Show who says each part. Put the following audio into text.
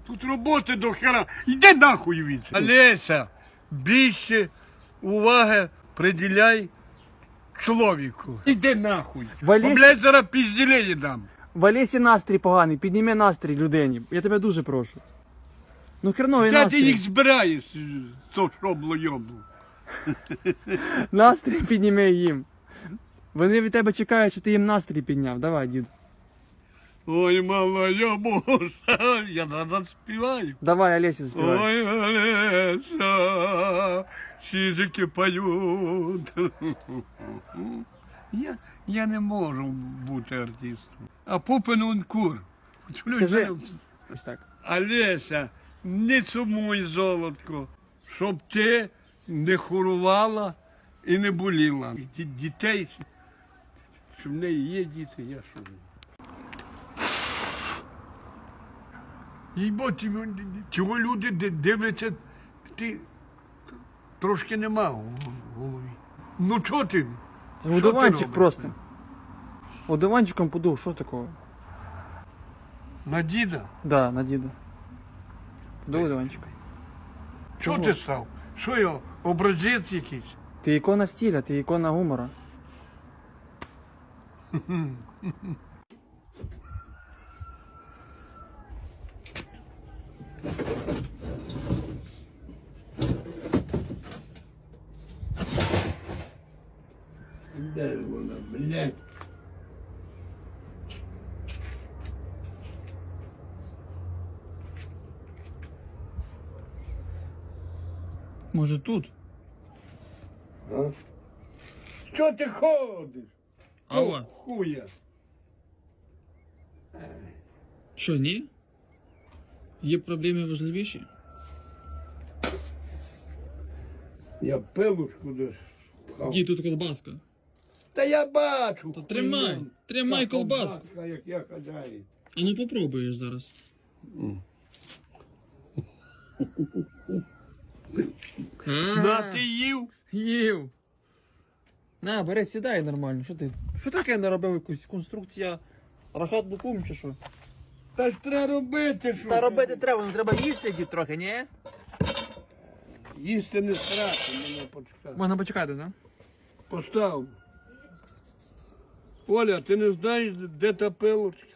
Speaker 1: Тут роботи до хера. Йди нахуй від. Олеся, більше уваги приділяй чоловіку. Іди нахуй.
Speaker 2: Валєсь-
Speaker 1: Блядь, зараз пізділені дам.
Speaker 2: В Олесі настрій поганий, підніми настрій людині. Я тебе дуже прошу. Ну херновий
Speaker 1: Де ти
Speaker 2: настрій.
Speaker 1: їх збираєш, то шобло-йобло?
Speaker 2: Настрій підніми їм. Вони від тебе чекають, що ти їм настрій підняв. Давай, дід.
Speaker 1: Ой, малая Боже, я зараз співаю.
Speaker 2: Давай, Олесі, співай.
Speaker 1: Ой, Олеся, чижики поють. Я не можу бути артистом. А Пупин он кур.
Speaker 2: Скажи. Ось так.
Speaker 1: Олеся, не сумуй, золотко, щоб ти не хорувала і не боліла. Дітей, що в неї є діти, я що. Їбо, цього люди дивляться, ти трошки нема в голові. Ну чого ти?
Speaker 2: Одуванчик
Speaker 1: робиш?
Speaker 2: просто. Одуванчиком подув, що такого?
Speaker 1: На діда?
Speaker 2: Да, на діда. Подув одуванчиком.
Speaker 1: Чого
Speaker 2: Чого?
Speaker 1: ти став? Що я, образець якийсь?
Speaker 2: Ти ікона стиля, ти ікона гумора.
Speaker 1: Де вона, блядь?
Speaker 2: Може тут?
Speaker 1: А? Що ти ходиш?
Speaker 2: Алло.
Speaker 1: Хуя.
Speaker 2: Що, ні? Є проблеми важливіші?
Speaker 1: Я пилушку десь пхав.
Speaker 2: Дід, тут колбаска.
Speaker 1: Та я бачу.
Speaker 2: Та тримай,
Speaker 1: хуйню.
Speaker 2: тримай
Speaker 1: Та
Speaker 2: колбаску.
Speaker 1: колбаска, як я хазяїн.
Speaker 2: А ну попробуєш зараз.
Speaker 1: На, ти їв?
Speaker 2: Їв. На, бери, сідай нормально. Що ти? Що таке наробив якусь конструкція рахат букум чи що?
Speaker 1: Та ж треба робити, що.
Speaker 2: Та робити треба, ну треба їсти дід трохи, ні?
Speaker 1: Їсти не страшно, мене почекати.
Speaker 2: Можна почекати, так?
Speaker 1: Постав. Оля, ти не знаєш, де та пилочка?